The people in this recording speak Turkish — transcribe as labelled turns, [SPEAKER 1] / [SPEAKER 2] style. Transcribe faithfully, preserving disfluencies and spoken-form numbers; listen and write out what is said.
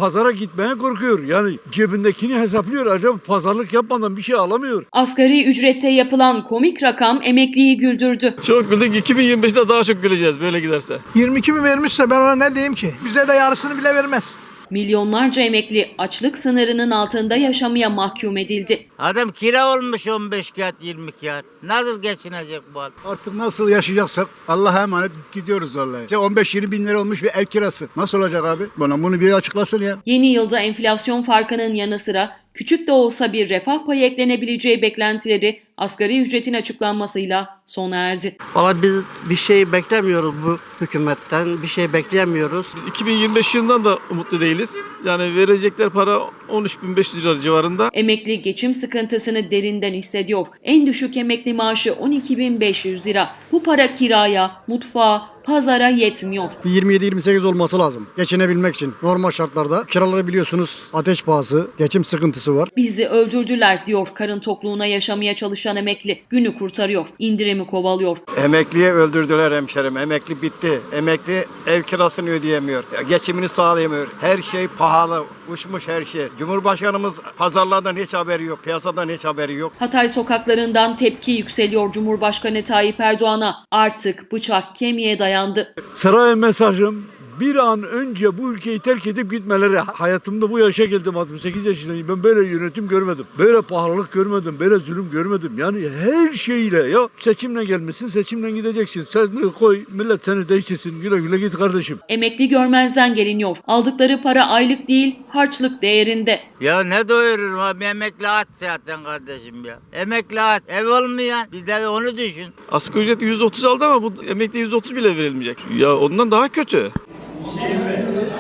[SPEAKER 1] pazara gitmeye korkuyor. Yani cebindekini hesaplıyor. Acaba pazarlık yapmadan bir şey alamıyor.
[SPEAKER 2] Asgari ücrette yapılan komik rakam emekliyi güldürdü.
[SPEAKER 3] Çok güldük. iki bin yirmi beşte daha çok güleceğiz böyle giderse.
[SPEAKER 4] yirmi iki bin vermişse ben ona ne diyeyim ki? Bize de yarısını bile vermez.
[SPEAKER 2] Milyonlarca emekli açlık sınırının altında yaşamaya mahkum edildi.
[SPEAKER 5] Adam kira olmuş on beş kağıt yirmi kağıt. Nasıl geçinecek bu adam?
[SPEAKER 6] Artık nasıl yaşayacaksak Allah'a emanet gidiyoruz vallahi. İşte on beş yirmi bin lira olmuş bir ev kirası. Nasıl olacak abi? Bana bunu bir açıklasın ya.
[SPEAKER 2] Yeni yılda enflasyon farkının yanı sıra küçük de olsa bir refah payı eklenebileceği beklentileri asgari ücretin açıklanmasıyla sona erdi.
[SPEAKER 7] Valla biz bir şey beklemiyoruz bu hükümetten. Bir şey bekleyemiyoruz.
[SPEAKER 3] Biz iki bin yirmi beş yılından da umutlu değiliz. Yani verecekler para on üç bin beş yüz lira civarında.
[SPEAKER 2] Emekli geçim sıkıntısını derinden hissediyor. En düşük emekli maaşı on iki bin beş yüz lira. Bu para kiraya, mutfağa, pazara yetmiyor.
[SPEAKER 8] yirmi yedi yirmi sekiz olması lazım geçinebilmek için. Normal şartlarda kiraları biliyorsunuz ateş pahası, geçim sıkıntısı var.
[SPEAKER 2] Bizi öldürdüler diyor karın tokluğuna yaşamaya çalışan emekli. Günü kurtarıyor, indirimi kovalıyor.
[SPEAKER 6] Emekliye öldürdüler hemşerim. Emekli bitti. Emekli ev kirasını ödeyemiyor. Geçimini sağlayamıyor. Her şey pahalı. Uçmuş her şey. Cumhurbaşkanımız pazarlardan hiç haberi yok. Piyasadan hiç haberi yok.
[SPEAKER 2] Hatay sokaklarından tepki yükseliyor Cumhurbaşkanı Tayyip Erdoğan'a. Artık bıçak kemiğe dayandı.
[SPEAKER 1] Saraya mesajım bir an önce bu ülkeyi terk edip gitmeleri. Hayatımda bu yaşa geldim, altmış sekiz yaşındayım. Ben böyle yönetim görmedim. Böyle pahalılık görmedim. Böyle zulüm görmedim. Yani her şeyle ya seçimle gelmişsin, seçimle gideceksin. Sen koy millet seni değiştirsin. Güle güle git kardeşim.
[SPEAKER 2] Emekli görmezden geliniyor. Aldıkları para aylık değil, harçlık değerinde.
[SPEAKER 5] Ya ne doyururum abi, emekli aç zaten kardeşim ya. Emekli aç, ev olmayan, bir de onu düşün.
[SPEAKER 3] Asgari ücret yüzde otuz aldı ama bu emekli yüzde otuz bile verilmeyecek. Ya ondan daha kötü.